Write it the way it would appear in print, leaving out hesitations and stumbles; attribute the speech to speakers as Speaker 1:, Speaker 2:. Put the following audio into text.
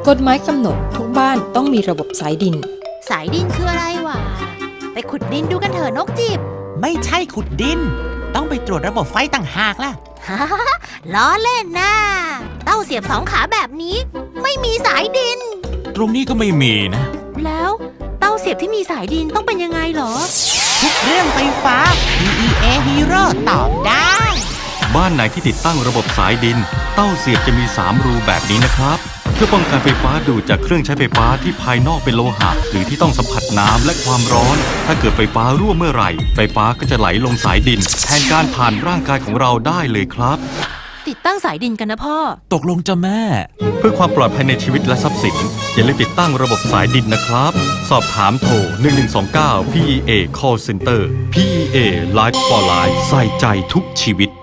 Speaker 1: กฎหมายกำหนดทุกบ้านต้องมีระบบสายดิน
Speaker 2: สายดินคืออะไรวะ ไปขุดดินดูกันเถอะนกจิบ
Speaker 3: ไม่ใช่ขุดดิน ต้องไปตรวจระบบไฟต่างหากล่ะ
Speaker 2: ฮ่าล้อเล่นนะเต้าเสียบสองขาแบบนี้ ไม่มีสายดิน
Speaker 4: ตรงนี้ก็ไม่มีนะ
Speaker 2: แล้วเต้าเสียบที่มีสายดินต้องเป็นยังไงเหรอ
Speaker 3: ทุกเรื่องไฟฟ้า PEA Hero ตอบได้
Speaker 5: บ้านไหนที่ติดตั้งระบบสายดิน เต้าเสียบจะมี 3 รูแบบนี้นะครับ เพื่อป้องกันไฟฟ้าดูดจากเครื่องใช้ไฟฟ้าที่ภายนอกเป็นโลหะ หรือที่ต้องสัมผัสน้ำและความร้อน ถ้าเกิดไฟฟ้ารั่วเมื่อไหร่ ไฟฟ้าก็จะไหลลงสายดิน แทนการผ่านร่างกายของเราได้เลยครับ
Speaker 2: ติดตั้งสายดินกันนะพ่อ
Speaker 4: ตกลงจะแม่
Speaker 5: เพื่อความปลอดภัยในชีวิตและทรัพย์สิน อย่าลืมติดตั้งระบบสายดินนะครับ สอบถามโทร 1129 PEA Call Center PEA Life for Life ใส่ใจทุกชีวิต